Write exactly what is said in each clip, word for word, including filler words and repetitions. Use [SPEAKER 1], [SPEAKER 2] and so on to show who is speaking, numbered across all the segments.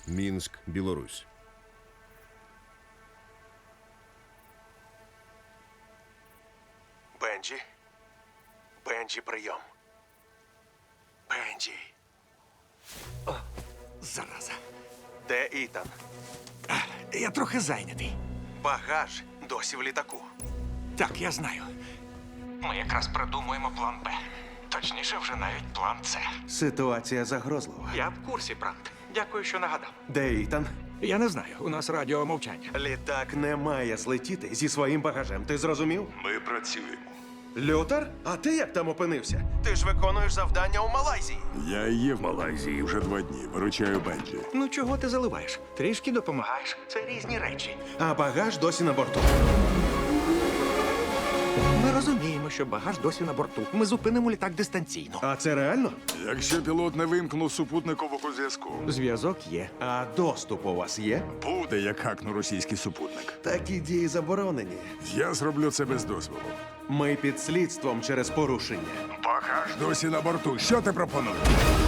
[SPEAKER 1] Мінськ, Білорусь.
[SPEAKER 2] Бенджі? Бенджі, прийом. Бенджі.
[SPEAKER 3] О, зараза.
[SPEAKER 2] Де Ітан?
[SPEAKER 3] Я трохи зайнятий.
[SPEAKER 2] Багаж досі в літаку.
[SPEAKER 3] Так, я знаю. Ми якраз придумуємо план Б. Точніше, вже навіть план С.
[SPEAKER 2] Ситуація загрозлива.
[SPEAKER 3] Я в курсі, Брант. Дякую, що нагадав.
[SPEAKER 2] Де Ітан?
[SPEAKER 3] Я не знаю, у нас радіомовчання.
[SPEAKER 2] Літак не має злетіти зі своїм багажем. Ти зрозумів?
[SPEAKER 4] Ми працюємо.
[SPEAKER 2] Лютер? А ти як там опинився? Ти ж виконуєш завдання у Малайзії.
[SPEAKER 4] Я є в Малайзії вже два дні. Виручаю Бенджі.
[SPEAKER 3] Ну чого ти заливаєш? Трішки допомагаєш. Це різні речі.
[SPEAKER 2] А багаж досі на борту.
[SPEAKER 3] Ми розуміємо, що багаж досі на борту. Ми зупинимо літак дистанційно.
[SPEAKER 2] А це реально?
[SPEAKER 4] Якщо пілот не вимкнув супутникового зв'язку,
[SPEAKER 3] Зв'язок є.
[SPEAKER 2] А доступ у вас є?
[SPEAKER 4] буде як хакну російський супутник.
[SPEAKER 2] Такі дії заборонені.
[SPEAKER 4] Я зроблю це без дозволу.
[SPEAKER 2] Ми під слідством через порушення.
[SPEAKER 4] Багаж досі на борту. Що ти пропонуєш?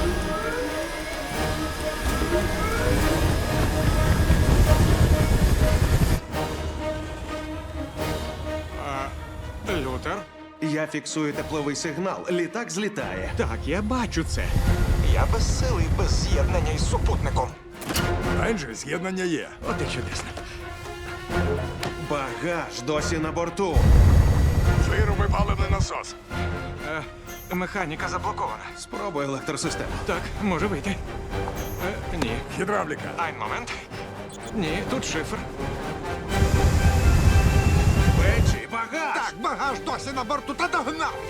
[SPEAKER 3] Лютер?
[SPEAKER 2] Я фіксую тепловий сигнал. Літак злітає.
[SPEAKER 3] Так, я бачу це. Я без сили і без з'єднання із супутником.
[SPEAKER 4] Бенджі, з'єднання є.
[SPEAKER 3] От і чудесно.
[SPEAKER 2] Багаж досі на борту.
[SPEAKER 4] Вируби паливний насос.
[SPEAKER 3] Е, механіка заблокована.
[SPEAKER 2] Спробуй електросистему.
[SPEAKER 3] Так, може вийти. Е, ні.
[SPEAKER 4] Гідравліка.
[SPEAKER 3] Айн момент. Ні, тут шифр.
[SPEAKER 2] Бенджі, багаж!
[SPEAKER 3] Так, багаж досі на борту, та догнав я.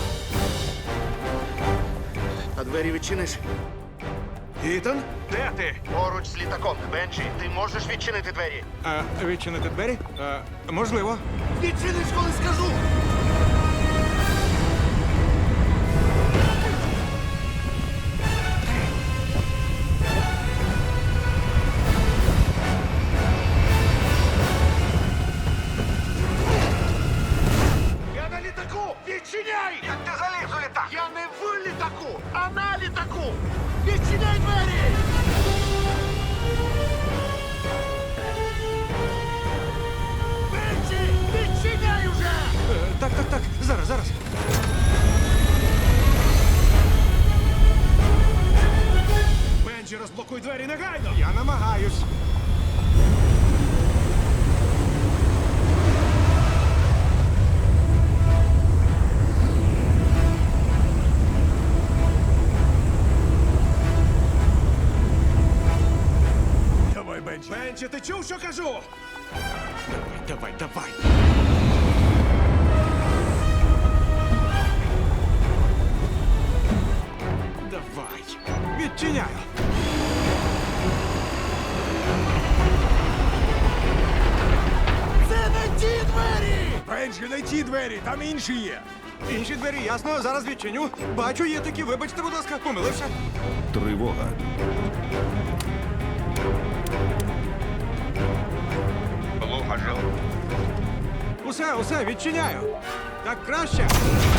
[SPEAKER 5] А двері відчиниш?
[SPEAKER 2] Ітан?
[SPEAKER 3] Де ти?
[SPEAKER 5] Поруч з літаком. Бенджі, ти можеш відчинити двері?
[SPEAKER 3] А, відчинити двері? А, можливо.
[SPEAKER 5] Відчиниш, коли скажу! Я на літаку! Відчиняй!
[SPEAKER 3] Як ти заліз у літак?
[SPEAKER 5] Я не в літаку, а на літаку! Відчиняй двері! Бенджі, відчиняй уже!
[SPEAKER 3] Е, так, так, так. Зараз, зараз.
[SPEAKER 2] Бенджі, розблокуй двері негайно!
[SPEAKER 3] Я намагаюсь.
[SPEAKER 4] Давай, Бенджі.
[SPEAKER 2] Бенджі, ти чув, що кажу?
[SPEAKER 3] Давай, давай, давай. Давай. Відчиняю.
[SPEAKER 5] Це не ті двері!
[SPEAKER 4] Бенджі, не ті двері, там інші є.
[SPEAKER 3] Інші двері, ясно, зараз відчиню. Бачу, є такі, вибачте, будь ласка, помилився.
[SPEAKER 1] Тривога.
[SPEAKER 3] Усе, усе, відчиняю. Так краще.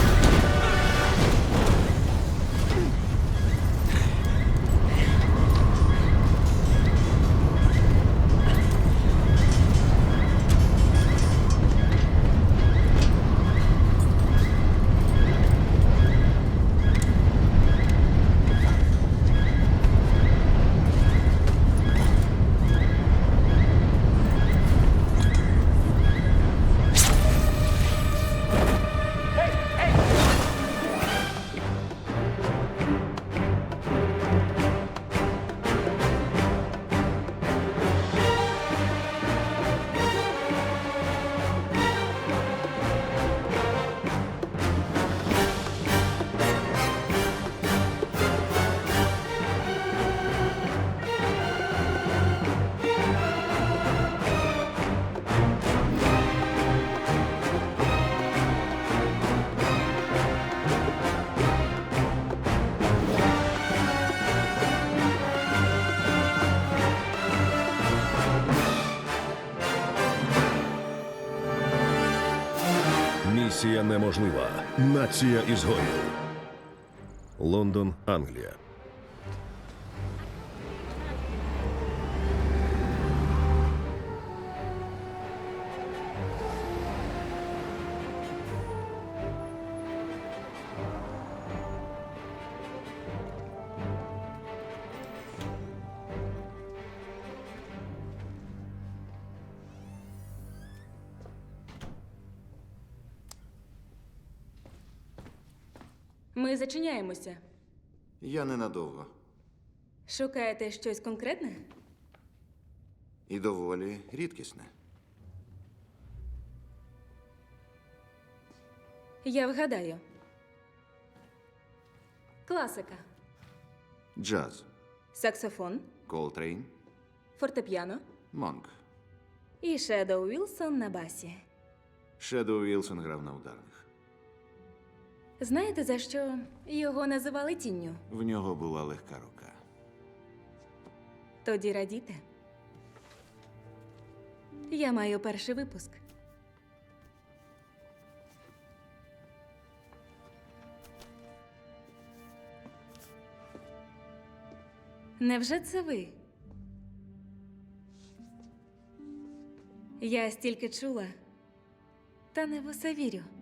[SPEAKER 1] Місія неможлива. Нація ізгоїв. Лондон, Англія.
[SPEAKER 6] Ми зачиняємося.
[SPEAKER 7] Я ненадовго.
[SPEAKER 6] Шукаєте щось конкретне?
[SPEAKER 7] І доволі рідкісне.
[SPEAKER 6] Я вгадаю. Класика.
[SPEAKER 7] Джаз.
[SPEAKER 6] Саксофон,
[SPEAKER 7] Колтрейн.
[SPEAKER 6] фортепіано
[SPEAKER 7] Монк.
[SPEAKER 6] і Шедоу Вілсон на басі.
[SPEAKER 7] Шедоу Вілсон грав на ударних.
[SPEAKER 6] Знаєте, за що його називали тінню?
[SPEAKER 7] В нього була легка рука.
[SPEAKER 6] Тоді радійте. Я маю перший випуск. Невже це ви? Я стільки чула, та не в усе вірю.